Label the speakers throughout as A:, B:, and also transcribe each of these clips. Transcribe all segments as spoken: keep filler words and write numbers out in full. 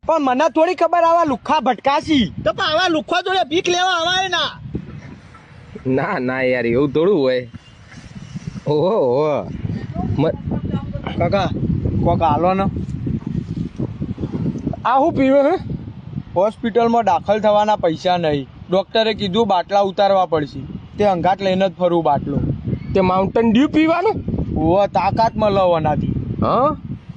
A: પણ મને થોડી ખબર આવા લુખ્ખા ભટકાશી
B: તો પણ આવા લુખ્ખા જોડે ભીખ લેવા આવાય ના
C: ના ના યાર એવું થોડું હોય. ઓહો ઓહો
A: કાકા કોક હાલો ને.
C: આ શું પીવે હે?
A: હોસ્પિટલમાં દાખલ થવાના પૈસા નહીં. ડોક્ટરે કીધું બાટલા ઉતારવા પડશે. તે અંગાટ લઈને જ ફરું બાટલો.
C: તે માઉન્ટેન ડ્યુ પીવાનું?
A: ઓ તાકાત મળે એનાથી.
C: હા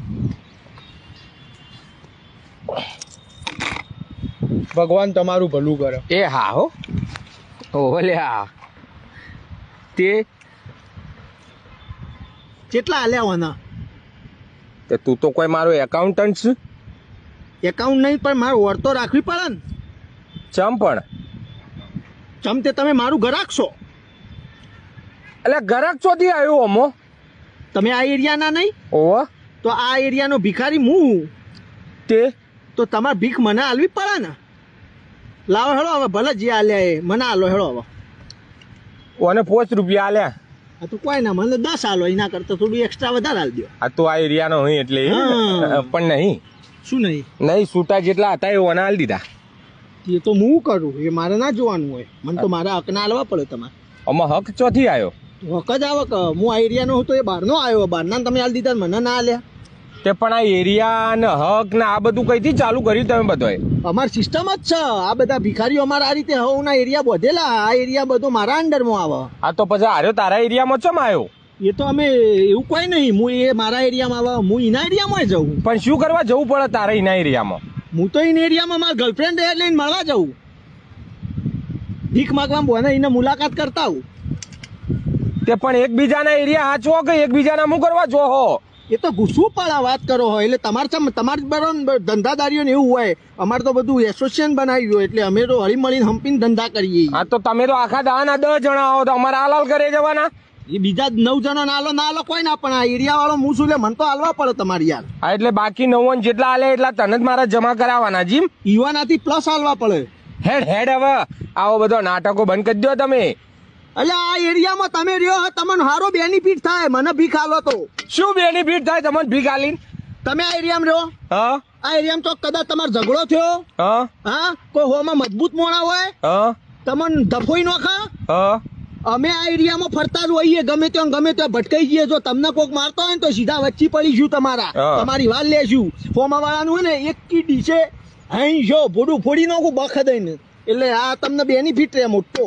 A: ભગવાન તમારું ભલું કરે.
C: એ હા હો. ઓહો લ્યા તે
B: કેટલા આલ્યા હોના?
C: તે તું તો કોઈ મારો એકાઉન્ટન્ટ છે.
B: એકાઉન્ટ નહીં પણ મારે ઓર તો રાખવી પડે ને.
C: ચમ પણ
B: ચમ તે તમે મારું ઘરાક છો.
C: એટલે ઘરાક ચોથી આવ્યો અમો?
B: તમે આ એરિયાના નહીં?
C: ઓહો.
B: તો આ એરિયાનો ભિખારી હું.
C: તે
B: તો તમારે ભીખ મને આલવી પડે ને. લાવો હેડો હવે, ભલે જે આલ્યા એ મને આલો હેડો હવે.
C: ઓને પાંચ રૂપિયા આલ્યા.
B: આ તો કોઈ ના, મને દસ આલો. એના કરતા થોડું એક્સ્ટ્રા વધારે આલ દો.
C: આ તો આ એરિયાનો હોય એટલે
B: હા.
C: પણ નહીં
B: શું નહીં?
C: નહીં છૂટા જેટલા હતા એ ઓને આલી દીધા.
B: એ તો હું કરું, એ મારે ના જોવાનું હોય. મને તો મારા હકના આલવા પડે તમારે.
C: આમાં હક ચોથી આવ્યો?
B: હક જ આવે કે હું આ એરિયાનો હું તો એ બહારનો આવ્યો. બહારના તમે આલી દીધા મને ના આલ્યા.
C: તે પણ આ એરિયા ને હક ને આ બધું કઈથી ચાલુ કર્યું તમે બધાએ?
B: અમારી સિસ્ટમ જ છે. આ બધા ભિખારીઓ અમારા આ રીતે હવના એરિયા બધેલા. આ એરિયા બધો મારા અંડરમાં આવે.
C: આ તો પછી આર્યો તારા એરિયામાં ચમ આવ્યો?
B: એ તો અમે એવું કોઈ નહીં. હું એ મારા એરિયામાં આવે, હું એના એરિયામાં જઉં.
C: પણ શું કરવા જવું પડે તારા એના એરિયામાં?
B: હું તો એના એરિયામાં મારા ગર્લફ્રેન્ડ લઈને મળવા જાઉં. ભીખ માગવા બોને એને મુલાકાત કરતા હું.
C: તે પણ એકબીજાના એરિયા હાચવો કે એકબીજાના હું કરવા જો હો?
B: એ તો ગુસ્સું પડે વાત કરો હોય એટલે તમારે તમારે બરાબર ધંધાદારીઓ ને એવું હોય. અમારે તો બધું એસોસિએશન બનાવ્યું હોય એટલે અમે તો હળી મળીને હંપીને ધંધા કરીએ.
C: હા તો તમે તો આખા દાના દસ જણા હો તો અમારે હાલાલ કરે જવાના?
B: એ બીજા નવ જણા ના આલો ના આલો કોઈ ના, પણ આ એરિયા વાળો હું શું લે મને તો હાલવા પડે તમારી યાર.
C: હા એટલે બાકી નવ્વાણું જેટલા હાલે એટલા તને જ મારા જમા કરાવવાના જીમ.
B: ઈવાનાથી પ્લસ હાલવા પડે.
C: હેડ હેડ હવે આવો બધો નાટકો બંધ કરી દો તમે.
B: એટલે આ એરિયામાં તમે રહ્યો તમને સારો બેનિફિટ થાય. મને ભીખ આલો તો
C: શું બેનિફિટ થાય તમને ભીખ આલીને?
B: તમે આ એરિયામાં રહ્યો,
C: હા
B: આ એરિયામાં તો કદાચ તમારો ઝઘડો થયો,
C: હા
B: હા કોઈ હોમાં મજબૂત મોણા હોય,
C: હા
B: તમને ધફોઈ નોખા.
C: હા
B: અમે આ એરિયામાં ફરતા જ હોઈએ. ગમે ત્યાં ગમે ત્યાં ભટકાઈ જઈએ. જો તમને કોઈક મારતો હોય ને તો સીધા વચ્ચે પડીશું તમારા. તમારી વાત લેશું. ફોમા વાળાનું હોય ને એક કી ડીશે હાઈ જો ભોડું ફોડી નાખું બખ દઈને. એટલે આ તમને બેનિફિટ રહે મોટો.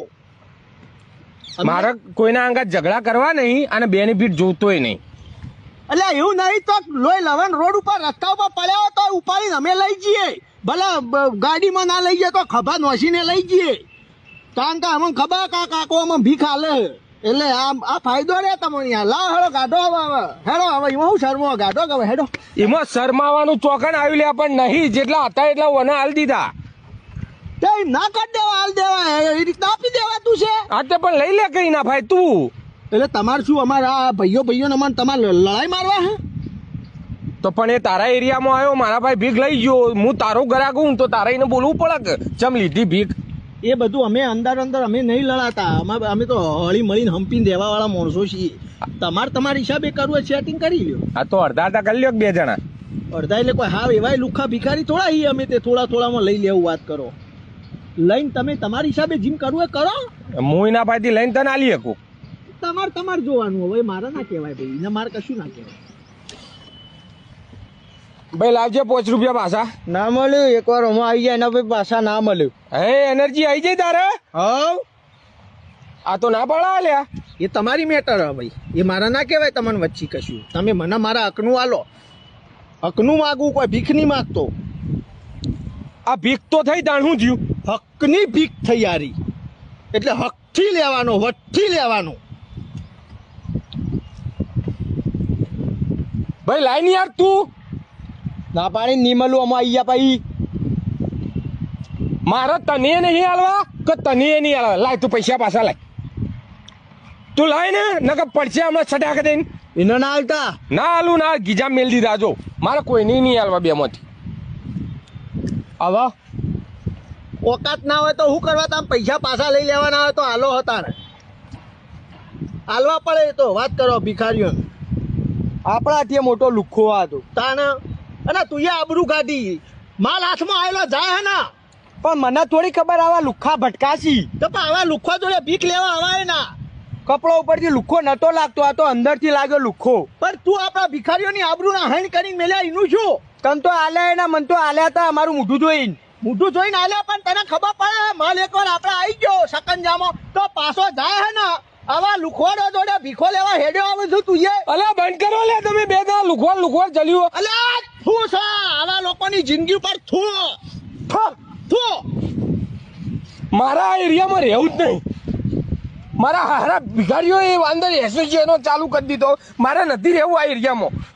C: મારે કોઈના અંગત ઝઘડા કરવા નહીં અને બેનિફિટ જોતોય નહીં.
B: એટલે એવું નહીં તો લોહી લવન રોડ ઉપર રસ્તા ઉપર પડ્યા તો ઉપાડીને અમે લઈ જઈએ. ભલે ગાડીમાં ના લઈ જઈએ તો ખભા નોસીને લઈ જઈએ. કારણ કે અમને ખબર કા કાકો અમે ભીખ હાલે. એટલે આ આ ફાયદો રે તમને યાર. લાવ હેડો ગાઢો હવે હેડો હવે એમાં હું શરમો ગાઢો કે હેડો.
C: એમાં શરમાવાનું ચોકન આવ્યું લે પણ નહીં જેટલા હતા એટલા ઓને હાલ દીધા.
B: તે ના કાઢ દેવા હાલ દેવા એ રીતના આપી દેવા તું છે.
C: હા તે પણ લઈ લે કઈ ના ભાઈ તું.
B: એટલે તમારે શું અમારા ભાઈઓ ભાઈઓ ને અમારે તમારે લડાઈ મારવા હે?
C: તો પણ એ તારા એરિયામાં આવ્યો મારા ભાઈ ભીખ લઈ ગયો. હું તારો ગ્રાહક હું તો તારા એને બોલવું પડે કે ચમ લીધી ભીખ.
B: એ બધું અમે અંદર અંદર અમે નહીં લડાતા. અમે અમે તો હળી મળીને હંપીને દેવા વાળા માણસો છીએ. તમારે તમારા હિસાબે કરવું હોય સેટિંગ કરી લ્યો.
C: હા તો અડધા અડધા કરી લ્યો બે જણા.
B: અડધા એટલે કોઈ હા એવાય લુખા ભિખારી થોડા છીએ અમે. તે થોડા થોડામાં લઈ લેવું વાત કરો. લઈને તમે તમારી હિસાબે જીમ કરવું હોય કરો.
C: હું એના ભાઈથી લઈને તને આલી શકું.
B: તમારે તમારે જોવાનું હવે મારે ના કહેવાય ભાઈ. એને મારે કશું ના કહેવાય.
C: ભાઈ લાવજે પાંચ રૂપિયા પાછા.
A: ના મળ્યું એકવાર હું આવી જાય એના પછી પાછા ના મળ્યું.
C: હે એનર્જી આવી જાય તારે?
B: હવ
C: આ તો ના પાડા લ્યા.
B: એ તમારી મેટર હે ભાઈ. એ મારા ના કહેવાય તમને વચ્ચે કશું. તમે મને મારા હકનું આલો. હકનું માગવું કોઈ ભીખ નહીં માગતો.
C: આ ભીખ તો થઈ તાણ શું થયું?
B: હકની ભીખ થઈ યારી. એટલે હકથી લેવાનો વટથી લેવાનો.
C: ભાઈ લાઈન યાર તું
A: ના પાણી નહીં મળું અમે આવી ગયા પછી.
C: મારે તને નહીં હાલવા કે તને નહીં હાલવા. લાય તું પૈસા પાછા લાય. તું લાય ને નકર પડશે હમણાં છટાક દઈને.
A: એને ના આવતા
C: ના હાલું ના ગીજા મેલ દીધા. જો મારે કોઈ નહીં નહીં હાલવા બે માંથી.
A: હવે
B: ઓકાત ના હોય તો શું કરવા? તમે પૈસા પાછા લઈ લેવાના હોય તો હાલો હતા ને હાલવા પડે. તો વાત કરો ભિખારીઓ.
A: આપણા ત્યાં મોટો લુખ્ખો હતો
B: તાને અને તું આબરૂ કાઢી. માલ હાથમાં આવેલો જાય હે ના
A: પણ મને થોડી ખબર આવા લુખ્ખા ભટકાશી
B: તો પણ આવા લુખ્ખો જોડે ભીખ લેવા આવાય ના
A: કપડો ઉપરથી લુખ્ખો નતો લાગતો આ તો અંદરથી લાગ્યો લુખ્ખો
B: પણ તું આપણા ભિખારીઓની આબરૂના હણ કરીને મેલ્યા એનું શું
A: તન તો આલ્યા એના મન તો આલ્યા હતા અમારું મોઢું જોઈને
B: મોઢું જોઈને આલ્યા પણ તને ખબર પડે માલ એકવાર આપણે આવી ગયો સકંજામાં તો પાછો જાય હે ને આવા લુખવાડો જોડે ભીખો લેવા હેડ્યો આવે છું તું એ
C: અલે બંધ કરો લે તમે બે દા લુખવાડ લુખવાડ જલ્યું
B: અલ્યા થૂ છે આવા લોકોની જિંદગી ઉપર થૂ થૂ થૂ
C: મારા આ એરિયામાં રહેવું જ નહીં મારા હારા ભિખારીઓ એ અંદર એસોસિએશનો ચાલુ કરી દીધો મારે નથી રહેવું આ એરિયામાં